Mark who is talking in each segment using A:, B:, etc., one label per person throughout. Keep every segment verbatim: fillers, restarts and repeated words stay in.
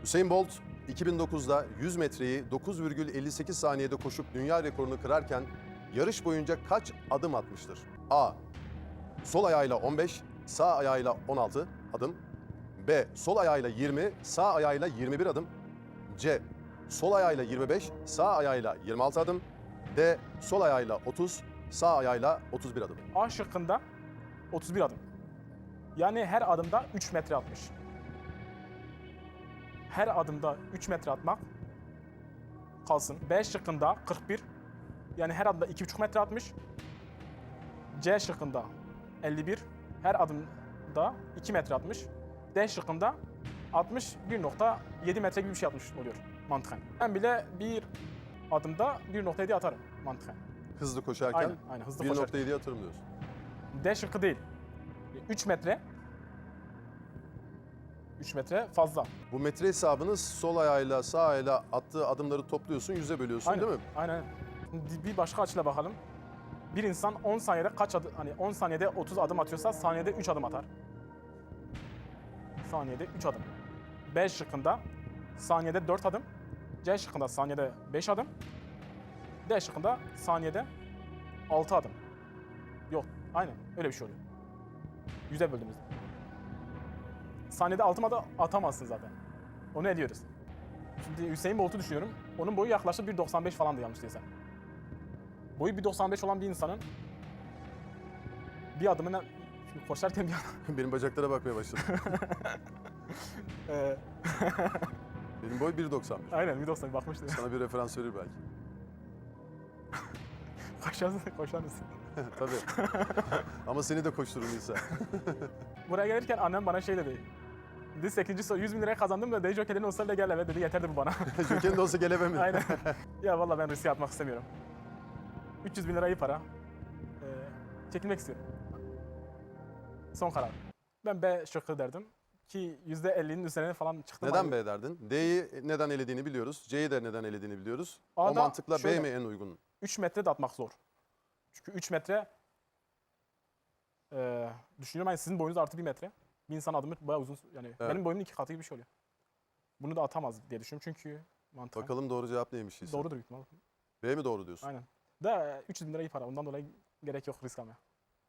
A: Hüseyin Bolt iki bin dokuzda yüz metreyi dokuz virgül elli sekiz saniyede koşup dünya rekorunu kırarken yarış boyunca kaç adım atmıştır? A. Sol ayağıyla on beş, sağ ayağıyla on altı adım. B. Sol ayağıyla yirmi, sağ ayağıyla yirmi bir adım. C. Sol ayağıyla yirmi beş, sağ ayağıyla yirmi altı adım. D. Sol ayağıyla otuz, sağ ayağıyla otuz bir adım.
B: A şıkkında otuz bir adım. Yani her adımda üç metre atmış. Her adımda üç metre atmak kalsın. B şıkkında kırk bir. Yani her adımda iki buçuk metre atmış. C şıkkında elli bir. Her adımda iki metre atmış. D şıkkında altmış bir nokta yedi metre gibi bir şey atmış oluyor mantıken. Ben bile bir adımda bir nokta yedi atarım mantıken.
A: Hızlı koşarken
B: Aynen, aynen, hızlı
A: bir
B: koşarken.
A: nokta yediye atarım diyorsun.
B: D şıkkı değil. üç metre. üç metre fazla.
A: Bu metre hesabını sol ayağıyla sağ ayağıyla attığı adımları topluyorsun, yüze bölüyorsun
B: Aynen,
A: değil mi?
B: aynen. Şimdi bir başka açıyla bakalım. Bir insan on saniyede kaç adım, hani on saniyede otuz adım atıyorsa saniyede üç adım atar. Saniyede üç adım. B şıkkında saniyede dört adım. C şıkkında saniyede beş adım. D şıkkında saniyede altı adım. Yok, aynen öyle bir şey oluyor. Yüze böldüğümüzde. Saniyede altı adım atamazsın zaten. Onu ediyoruz. Şimdi Hüseyin Bolt'u düşünüyorum. Onun boyu yaklaşık bir doksan beş falandı yanlış değilsem. Boyu bir doksan beş olan bir insanın bir adımına şimdi koşarken bir adam...
A: Benim bacaklara bakmaya başladım.
B: Ee,
A: Benim boy bir doksan bir.
B: aynen bir doksan bakmıştım.
A: Sana bir referans verir belki.
B: Koşarsın, koşar mısın?
A: Tabii. Ama seni de koşturur Nisa.
B: Buraya gelirken annem bana şey dedi. Dedi sekizinci soru yüz bin liraya kazandım da dedi jokerlerin olsa bile gel eve dedi yeterdi bu bana.
A: Joker'in de olsa gelemem mi?
B: Aynen. Ya vallahi ben riske atmak istemiyorum. üç yüz bin lira iyi para. Ee, çekilmek istiyorum. Son karar. Ben B şıkkı derdim. Ki yüzde ellinin üzerine falan çıktım.
A: Neden
B: Hani
A: B derdin? D'yi neden elediğini biliyoruz. C'yi de neden elediğini biliyoruz. O
B: A'da
A: mantıkla
B: şöyle-
A: B mi en uygun?
B: üç metre de atmak zor. Çünkü üç metre e, düşünüyorum hani sizin boyunuz artı bir metre. Bir insan adımı bayağı uzun yani benim boyumun iki katı gibi bir şey oluyor. Bunu da atamaz diye düşünüyorum çünkü mantıken
A: Bakalım doğru cevap neymiş Nisa?
B: doğrudur büyük ihtimalle.
A: B mi doğru diyorsun?
B: Aynen. Da üç yüz bin lira iyi para ondan dolayı gerek yok risk almaya.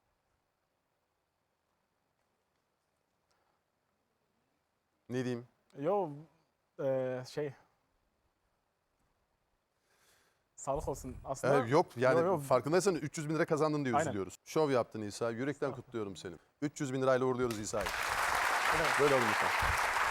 A: Ne diyeyim?
B: Yo e, şey sağlık olsun aslında.
A: Ee, yok yani
B: Yo, yo.
A: farkındaysan üç yüz bin lira kazandın diye
B: Aynen.
A: üzülüyoruz. Şov yaptın İsa. Yürekten kutluyorum seni. üç yüz bin lirayla uğurluyoruz İsa'yı.
B: Evet.
A: Böyle olun lütfen.